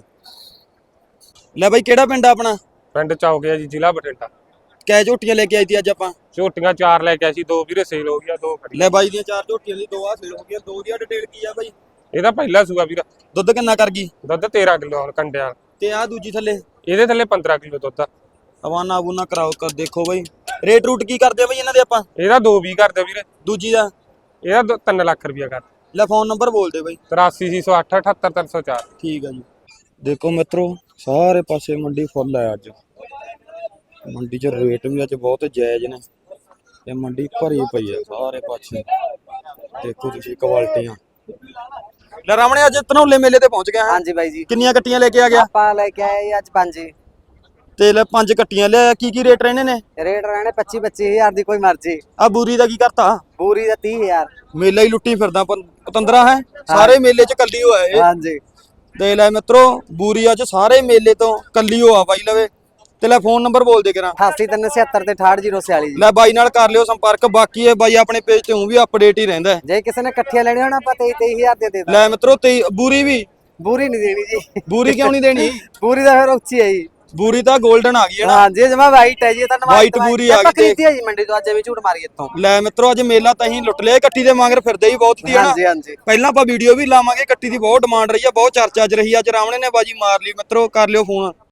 S1: ਲੈ ਬਾਈ, ਕਿਹੜਾ ਪਿੰਡ ਆ ਆਪਣਾ?
S8: ਪਿੰਡ ਚੌਕਿਆ ਜੀ, ਜ਼ਿਲ੍ਹਾ ਬਠਿੰਡਾ।
S1: ਕੈ ਝੋਟੀਆਂ ਲੈ ਕੇ ਆਈ ਤੀ ਅੱਜ ਆਪਾਂ?
S8: ਝੋਟੀਆਂ ਚਾਰ ਲੈ ਕੇ ਆਏ ਸੀ, ਦੋ ਵੀਰੇ ਸੇਲ ਹੋ ਗਿਆ, ਦੋ ਖੜੀਆਂ।
S1: ਲੈ ਬਾਈ ਦੀਆਂ ਚਾਰ ਝੋਟੀਆਂ ਦੀ ਦੋ ਆ ਸੇਲ ਹੋ ਗਈਆਂ। ਦੋ ਦੀ ਡਿਟੇਲ ਕੀ ਆ ਬਾਈ?
S8: ਇਹਦਾ ਪਹਿਲਾ ਸੂਆ ਵੀਰਾ।
S1: ਦੁੱਧ ਕਿੰਨਾ ਕਰ ਗਈ?
S8: ਦੁੱਧ ਤੇਰਾਂ ਕਿਲੋ ਹੁਣ ਕੰਡਿਆਂ।
S1: ਤੇ ਆ ਦੂਜੀ ਥੱਲੇ?
S8: ਇਹਦੇ ਥੱਲੇ ਪੰਦਰਾਂ ਕਿਲੋ ਦੁੱਧ ਆ।
S1: ਹਵਾਨਾ ਬੂਨਾ ਕਰਾਓ ਕਰ ਦੇਖੋ ਬਾਈ। ਰੇਟ ਰੂਟ ਕੀ ਕਰਦੇ ਆ ਬਾਈ ਇਹਨਾਂ ਦੇ ਆਪਾਂ?
S8: ਇਹਦਾ ਦੋ ਵੀਹ ਕਰਦੇ ਵੀਰੇ।
S1: ਦੂਜੀ ਦਾ?
S8: ਇਹਦਾ ਦੋ- ਤਿੰਨ ਲੱਖ ਰੁਪਇਆ ਕਰ।
S1: ਲੈ ਫੋਨ ਨੰਬਰ ਬੋਲ ਦੇ ਬਾਈ।
S8: ਤਰਾਸੀ ਛੇ ਸੌ ਅੱਠ ਅਠੱਤਰ ਤਿੰਨ ਸੌ ਚਾਰ।
S1: ਠੀਕ ਆ ਜੀ। ਦੇਖੋ ਮਿੱਤਰੋ, ਸਾਰੇ ਪਾਸੇ ਮੰਡੀ ਫੁੱਲ ਹੈ ਅੱਜ। ਮੰਡੀ 'ਚ ਰੇਟ ਵੀ ਅੱਜ ਬਹੁਤ ਜਾਇਜ਼ ਨੇ ਤੇ ਮੰਡੀ ਭਰੀ ਪਈ ਹੈ ਸਾਰੇ ਪਾਸੇ। ਦੇਖੋ ਤੁਸੀਂ ਕੁਆਲਿਟੀਆਂ। ਲੈ ਰਾਮਣੇ, ਅੱਜ ਧਨੌਲੇ ਮੇਲੇ ਤੇ ਪਹੁੰਚ ਗਿਆ।
S9: ਹਾਂਜੀ ਬਾਈ ਜੀ।
S1: ਕਿੰਨੀਆਂ ਕੱਟੀਆਂ ਲੈ ਕੇ ਆ ਗਿਆ?
S9: ਆਪਾਂ ਲੈ ਕੇ ਆਏ ਅੱਜ ਪੰਜ ਜੀ।
S1: ਤੇ ਲੈ ਪੰਜ ਕੱਟੀਆਂ ਲਿਆ। ਕੀ ਕੀ ਰੇਟ ਰਹਿਣੇ ਨੇ?
S9: ਰੇਟ ਰਹਿਣੇ ਪੱਚੀ ਪੱਚੀ ਹਜ਼ਾਰ ਦੀ, ਕੋਈ ਮਰਜ਼ੀ।
S1: ਆ ਬੂਰੀ ਦਾ ਕੀ ਕਰਤਾ?
S9: ਪੂਰੀ ਦਾ ਤੀਹ ਹਜ਼ਾਰ।
S1: ਮੇਲਾ ਹੀ ਲੁੱਟੀ ਫਿਰਦਾ ਪ- ਪਤੰਦਰਾ ਹੈ। ਸਾਰੇ ਮੇਲੇ 'ਚ ਕੱਲੀ ਹੋਇਆ ਇਹ।
S9: ਹਾਂਜੀ।
S1: ਦੇ ਲੈ ਮਿੱਤਰੋ, ਬੂਰੀ ਅੱਜ ਸਾਰੇ ਮੇਲੇ ਤੋਂ ਕੱਲੀ ਹੋ ਆ ਬਾਈ ਲਵੇ। ਤੇ ਲੈ ਫੋਨ ਨੰਬਰ ਬੋਲ ਦੇ ਕਰਾਂ।
S9: ਅਠਾਸੀ ਤਿੰਨ ਸਤੱਤਰ ਤੇ ਅਠਾਹਠ ਜ਼ੀਰੋ ਛਿਆਲੀ ਜੀ।
S1: ਲੈ ਬਾਈ ਨਾਲ ਕਰ ਲਿਓ ਸੰਪਰਕ। ਬਾਕੀ ਇਹ ਬਾਈ ਆਪਣੇ ਪੇਜ ਤੇ ਹੂੰ ਵੀ ਅਪਡੇਟ ਹੀ ਰਹਿੰਦਾ ਹੈ।
S9: ਜੇ ਕਿਸੇ ਨੇ ਇਕੱਠੀਆਂ ਲੈਣੀਆਂ ਹੋਣ ਆਪਾਂ ਤੇਈ ਤੇਈ ਹਜ਼ਾਰ ਦੇ ਦੇ ਦਾਂਗੇ।
S1: ਲੈ ਮਿੱਤਰੋ ਤੇ ਬੂਰੀ ਵੀ
S9: ਬੂਰੀ ਨਹੀਂ ਦੇਣੀ ਜੀ।
S1: ਬੂਰੀ ਕਿਉਂ ਨਹੀਂ ਦੇਣੀ?
S9: ਬੂਰੀ ਦਾ ਫਿਰ ਉੱਚੀ ਹੈ ਜੀ।
S1: ਬੂਰੀ ਤਾਂ 골ਡਨ ਆ ਗਈ ਹੈ ਨਾ।
S9: ਹਾਂ ਜੀ ਜਮਾ ਵਾਈਟ ਹੈ ਜੀ। ਇਹ ਤਾਂ ਨਵਾਈ
S1: White ਬੂਰੀ ਆ ਗਈ ਤੇ-
S9: ਖਰੀਦੀ ਹੈ ਜੀ ਮੰਡੀ ਤੋਂ, ਅੱਜ ਐਵੇਂ ਝੂਠ ਮਾਰੀ ਇੱਥੋਂ।
S1: ਲੈ ਮਿੱਤਰੋ ਅੱਜ ਮੇਲਾ ਤਾਂ ਹੀ ਲੁੱਟ ਲਿਆ। ਕੱਟੀ ਦੇ ਮਗਰ ਫਿਰਦੇ ਹੀ ਬਹੁਤ ਦੀ ਹੈ ਨਾ।
S9: ਹਾਂਜੀ ਹਾਂਜੀ।
S1: ਪਹਿਲਾਂ ਆਪਾਂ ਵੀਡੀਓ ਵੀ ਲਾਵਾਂਗੇ। ਕੱਟੀ ਦੀ ਬਹੁਤ ਡਿਮਾਂਡ ਰਹੀ ਆ, ਬਹੁਤ ਚਰਚਾ 'ਚ ਰਹੀ ਆ। ਅੱਜ ਰਾਮਣੇ ਨੇ ਬਾਜੀ ਮਾਰ ਲਈ ਮਿੱਤਰੋ। ਕਰ ਲਿਓ ਫੋਨ।